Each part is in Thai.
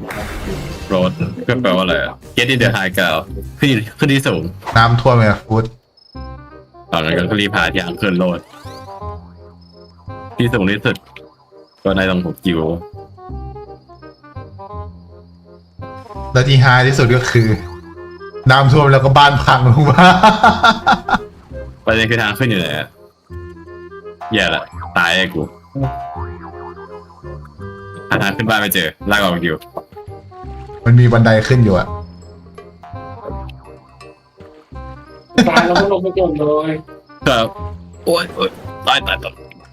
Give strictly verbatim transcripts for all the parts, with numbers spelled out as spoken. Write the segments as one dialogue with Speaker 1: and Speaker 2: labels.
Speaker 1: โรดก็แปลว่าอะไรอะ get in the high ground ขึ้นขึ้นที่สูง
Speaker 2: น้ำท่วมไหมฟูด
Speaker 1: ตอนนั้นก็รีบหาที่ทางขึ้นโรดที่สูงที่สุดก็ในตรงหกกิโล
Speaker 2: แล้วที่ฮาที่สุดก็คือ น้ำท่วมแล้วก็บ้านพังลงมา
Speaker 1: ประเด็นคือทางขึ้นอยู่ไหนอะแย่ละตายไอ้กูหาทางขึ้นบ้านไม่เจอลากออกอยู่
Speaker 2: มันมีบันไดขึ้นอยู่อะ
Speaker 3: ตายแล้วก็ลงไปก่อนเลย
Speaker 1: ครับโอ๊ยโอ๊ยตายตายตาย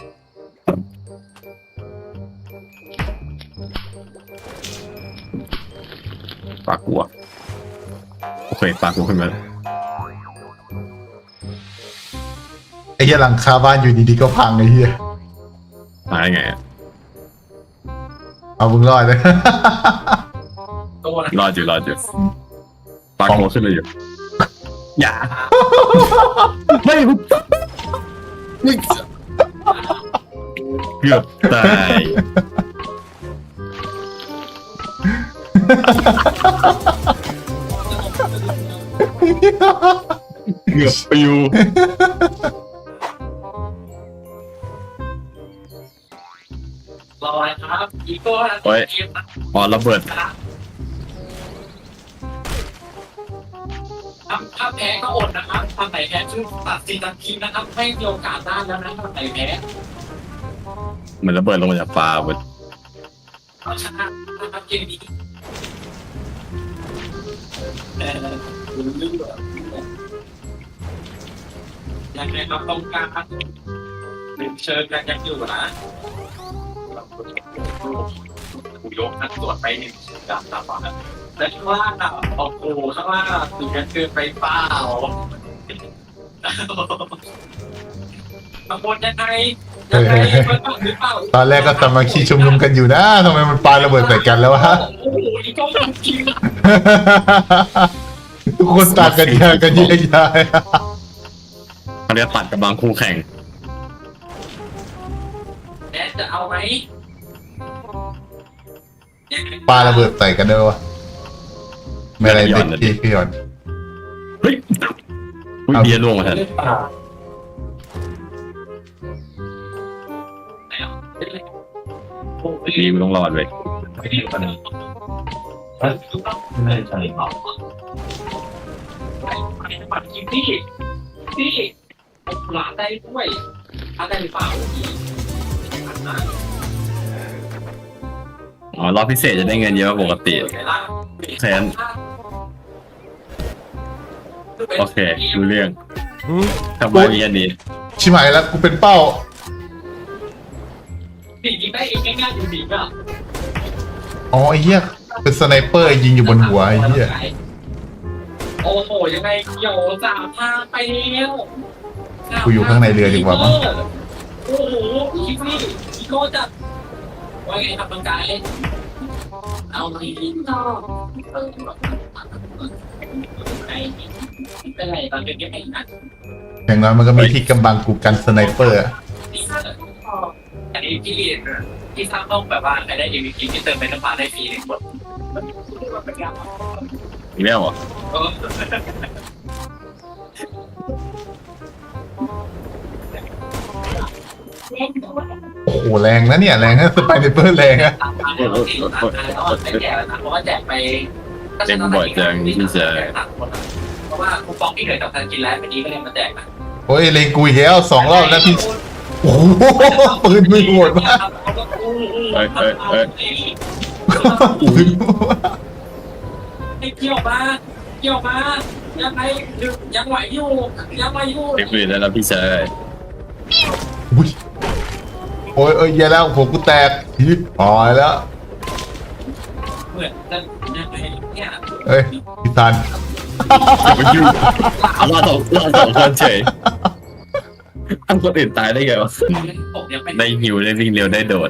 Speaker 1: ปากกูอะโอเคปากกูขึ้นมาแล้ว
Speaker 2: ไอ้เหี้ยหลังคาบ้านอยู่ดีๆก็พังไอ้เหี้ย
Speaker 1: มาได้ไงอะ
Speaker 2: เอามึงรอดเลย
Speaker 3: ตัวนะ
Speaker 1: รอดอยู่รอดอยู่ปากกูขึ้นมาอยู่อย่าไม่ไม่เกือบตายเกือบปิว
Speaker 3: รอครับอีโก้นะ
Speaker 1: โอ้ยอ๋อระเบิด
Speaker 3: ทำถ้าแพ้ก็อดนะครับทำไหนแพ้ชื่อตัดสินทันทีนะครับไม่มีโอกาสได้แล้วนะทำไหนแพ้
Speaker 1: เหมือนระเบิดลงมาจากฟ้าเว้ย
Speaker 3: เอาชนะนะครับเกมนี้เออลืมแบบยังไงครับต้องการหนึ่งเชิญกันยังอยู่นะกูยกนักตรวจไปหนึ่งดับตาฝาและข้างล่างอ่ะโอ้โหข้างล่างถึงจะเกินไปเปล่าตำบลยังไงยังไงเปิดปากหรือเปล่า
Speaker 2: ตอนแรกก็สามัคคีชุมนุมกันอยู่นะทำไมมันปาระเบิดใส่กันแล้ววะ
Speaker 3: โอ้โหนี่ก็มันจริง
Speaker 2: ทุกคนตากกันแยกกันแยกย้าย
Speaker 1: เขาเรียกตัดกำลังคู่แข่ง
Speaker 3: แดนจะเอาไหม
Speaker 2: ปาระเบิดใส่กันด้วยวะไม่อะไรเด็กพี่พี่หยอน
Speaker 1: เฮ้ยอุ้ยเบียร์ล่วงมาแทน
Speaker 3: เล่นเปล่าไหนอ่ะเล่นเลยโอ้ย
Speaker 1: ดีมึงต้องรอดเว้ย
Speaker 3: ไม่ได้ปะเนี่ยไม่ใช่เปล่าไปไปปัดกินที่ที่หลานได้ด้วยอะไรหรือเปล่าอีกนะ
Speaker 1: อ๋อรอบพิเศษจะได้เงินเยอะกว่าปกติแสนโอเครู้เรื่องทำไมมีอันนี้
Speaker 2: ชิไหมแล้วกูเป็นเป้า
Speaker 3: จริงๆได้เองง่ายๆอยู่ดีอ่ะ
Speaker 2: อ๋อไอ้เหี้ยเป็นสไนเปอร์ยิงอยู่บนหัวไอ้เหี้ย
Speaker 3: โอ้โหยังไงเกี่ยวสามพาไปแล้ว
Speaker 2: กูอยู่ข้างในเรือดีกว่ามั้ง
Speaker 3: โอ้โหอีกนี่อีโก้จัดว่าไงครับน้องกายเอาดีนอกเป็นไรตอนเป็นยังไงนะ
Speaker 2: อย่างน้อยมันก็มีที่กำบังกูกันสไนเปอร์อะ
Speaker 3: อันนี้พี่พี่สร้างต้องแบบว่าใครได้ เอ็ม วี พี ที่เติมไปน้ำปลาได้ฟรีหนึ่งคน
Speaker 1: อีกแล้วเหรอ
Speaker 3: เออ
Speaker 2: โอ้โหแรงนะเนี่ยแรงนะสไปเนเปอร์แรงอะ
Speaker 3: ตามมาแล้วสี่ตามมาแล้วไม่แจกแล้วนะเพราะว่าแจกไปเพราะว่าคูปองที่เหลือจากการกินแล้ววันนี้ก็เลยมาแจกนะ
Speaker 2: โอ้ยเลงกูอีกแล้วสองรอบแล้วพี่โอ้โหปืนมือโหดมากปืน
Speaker 3: ให้เกี่ยวมาเกี่ยวมายังไงยังไหวอยู่ยังไหวอยู่
Speaker 1: เด็กปืนได้แล้วพี่ชาย
Speaker 2: อุ้ยโอ้ยเอ้ยแย่แล้วผมกูแตกฮิปหายแล้ว
Speaker 3: เหมือนจะยังไงเนี่ย
Speaker 2: เอ้ยพี่ซัน
Speaker 1: ไปยุ่งเราสองเราสองคนเฉยทำคนอื่นตายได้ไงวะ
Speaker 3: ผมยังไม่
Speaker 1: ได้หิวได้วิ่งเร็วได้โดด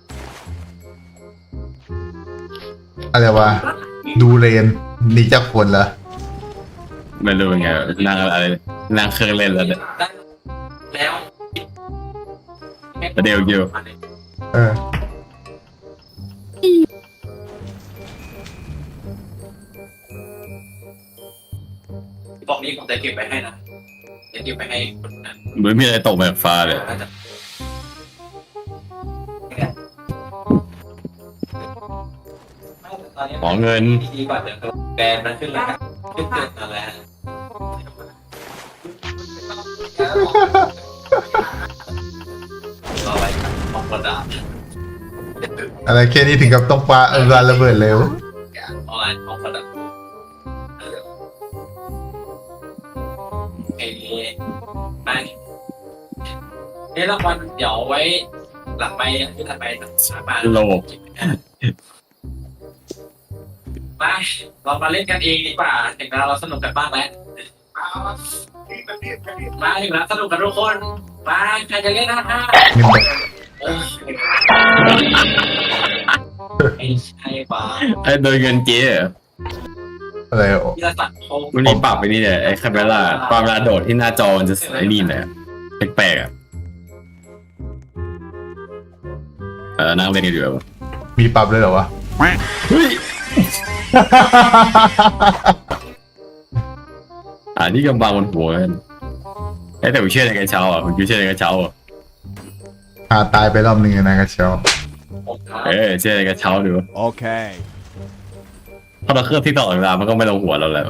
Speaker 2: อะไรวะดูเรนหนีจากคนเหรอ
Speaker 1: ไม่รู้เป็นไงนั่งอะไรนั่งเครื่องเล่นแล้วเนี่ย
Speaker 3: แล้ว
Speaker 1: ประเดี๋ยวอยู่
Speaker 2: เออ
Speaker 3: นี้ผมจะเก็บไปให้นะจะเก็บไปให้คนนั้น
Speaker 1: เหมือนมีอะไรตกแบบฟ้าเลย
Speaker 3: ก็จะตอนนี้
Speaker 1: ขอเงิน
Speaker 3: ดีกว่าเดี๋ยวแบรนด์มันขึ้นแล้วขึ้นเกินมาแล้วต่อไปของกระดาษ
Speaker 2: อะไรแค่นี้ถึงกับต้องปาเออระเบิดเร็ว
Speaker 3: ออนไลน์ของกระดาษเอ้ไปเอ้รางวัลเดี๋ยวไว้หลังไปที่ถัดไปสามารถ
Speaker 1: โลก
Speaker 3: ไปเรามาเล่นกันเองดีกว่าถึงเราเราสนุกกันบ้างแล้วมาถึงแล้วสนุกกันทุกคนมาใครจะเล่นหน้าห้า
Speaker 2: เงินแบบ
Speaker 3: เออไม่ใช่ป่ะ
Speaker 1: ไอ้โดยเงินเจ๊เหรอ
Speaker 2: อะไรอ่ะ
Speaker 3: พิรศักดิ์โค
Speaker 1: มันมีปรับไปนี่เนี่ยไอ้คาเมล่าความเวลาโดดที่หน้าจอมันจะไอ้นี่เลยแปลกๆอ่ะเออนั่งเล่นกันอยู่แบบ
Speaker 2: มีปรับเลยเหรอวะ
Speaker 1: เฮ้ยอ่านี่กำบังบนหัวกันไอ้แต่ผมเชื่อในกระเช้าอ่ะผมเชื่อในกระเช้าอ่ะ
Speaker 2: หาตายไปรอบหนึ่งนะกระเช้า
Speaker 3: ผมครับ
Speaker 1: เออเชื่อในกระเช้าดู
Speaker 4: Okay.
Speaker 1: เพราะเราเคลือบที่ตลอดเวลามันก็ไม่ลงหัวเราแล้ว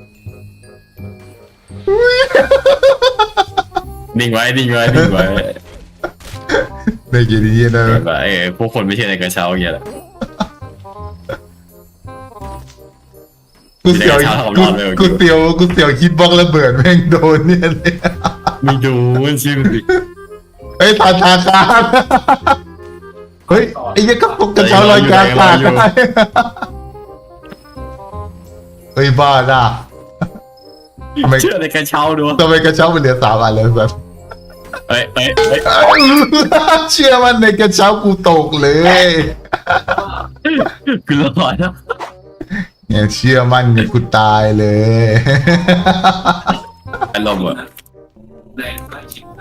Speaker 1: นิ่งไว้นิ่งไว้นิ่งไว้
Speaker 2: ได้ยินดีๆนะ
Speaker 1: แบบไอ้พวกคนไม่เชื่อในกระเช้าอย่างเงี้ยแหละ
Speaker 2: กูเสียวกูกูเสียวกูเสียวคิดบล็อกระเบิดแม่งโดนเนี่ยเลย
Speaker 1: มีดูมันชิมสิ
Speaker 2: เฮ้ยทาทาคารเฮ้ยไอ้เหี้ยังก็ปกกระเช้าลอยกลางอากาศได้เฮ้ยบ้าด่ะทำไม
Speaker 1: เชื่อในกระเช้าดู
Speaker 2: ทำไมกระเช้ามันเหลือสามอันเลยสัส
Speaker 1: เอ้ยเอ้ยเอ้ย
Speaker 2: เชื่อมันในกระเช้ากูตกเลย
Speaker 1: คือร้อนนะ
Speaker 2: เนี่ยเชื่อมันเนี่ยกูตายเลย
Speaker 1: อารมณ์อะ
Speaker 3: แรงใกล้ชิดนะ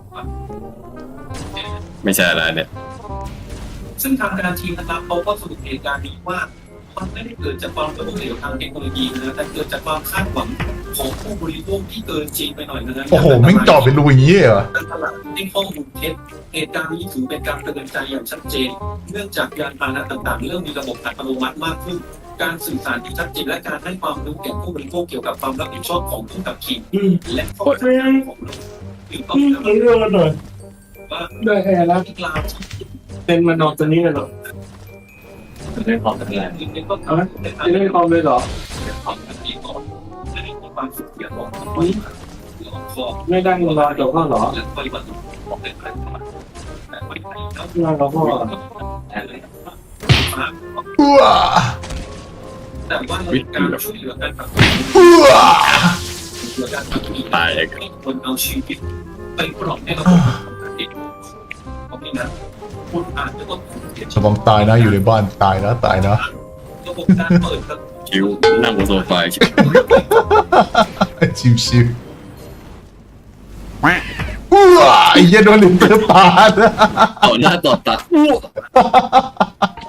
Speaker 1: ไม่ใช่อะไรเนี่ย
Speaker 3: ซึ่งทางการทีมนะครับเขาก็สรุปเหตุการณ์นี้ว่ามันไม่ได้เกิดจากความล้มเหลวทางเทคโนโลยีนะแต่เกิดจากความคาดหวังของผู้บริโภคที่เกินจริงไปหน่อยนะ
Speaker 2: โอ้โหแม่งเจาะเป็นรูอย่างนี้เหรอ
Speaker 3: การตลาดที่ข้อมูลเท็จเหตุการณ์นี้ถือเป็นการเตือนใจอย่างชัดเจน เนื่องจากยานพาหนะต่างๆเริ่มมีระบบอัตโนมัติมากขึ้น การสื่อสารที่ชัดเจนและการให้ความรู้แก่ผู้บริโภคเกี่ยวกับความรับผิดชอบของผู้ขับขี่และข้อจำกัดของรถหรือต้องการ
Speaker 5: เรื่องมันหน่อย
Speaker 3: ว่า
Speaker 5: ได้แค่ละ
Speaker 3: ที่กล่าว
Speaker 5: เป็นมันนอนตัวนี้กันหรอ
Speaker 3: เรื่องของการเงินก็ทำให้
Speaker 5: จะได้ความเลยเหรอ
Speaker 3: ความขัดแย้งก่อนและมีความสุขเสียของคนของ
Speaker 5: ไม่ได้เงินรอจบข้อหรอ
Speaker 3: และปฏิบัติของเด็กและธรรมะแต่ไม่ใช่แล้ว
Speaker 5: งานเราข้อ
Speaker 3: แทนเลย
Speaker 2: ว้า
Speaker 3: แต่ว่าการช่วยเหลือกันแบบ
Speaker 2: ว้า
Speaker 3: เหลือกันแบบ
Speaker 1: ตายเลย
Speaker 3: คนเอาชีวิตไปปลอดให้เราเป็นเด็กเพราะนี่นะคุณอาจจะต้องเสีย
Speaker 2: สมองตายนะอยู่ในบ้านตายนะตายนะ
Speaker 3: ระบบการเปิด
Speaker 1: คิวนั่งบนโซฟาชิว
Speaker 2: ชิวชิวว้าไอ้เหี้ยโดนลิมเตอร์ปาด
Speaker 1: เอาหน้าต่อตาอู้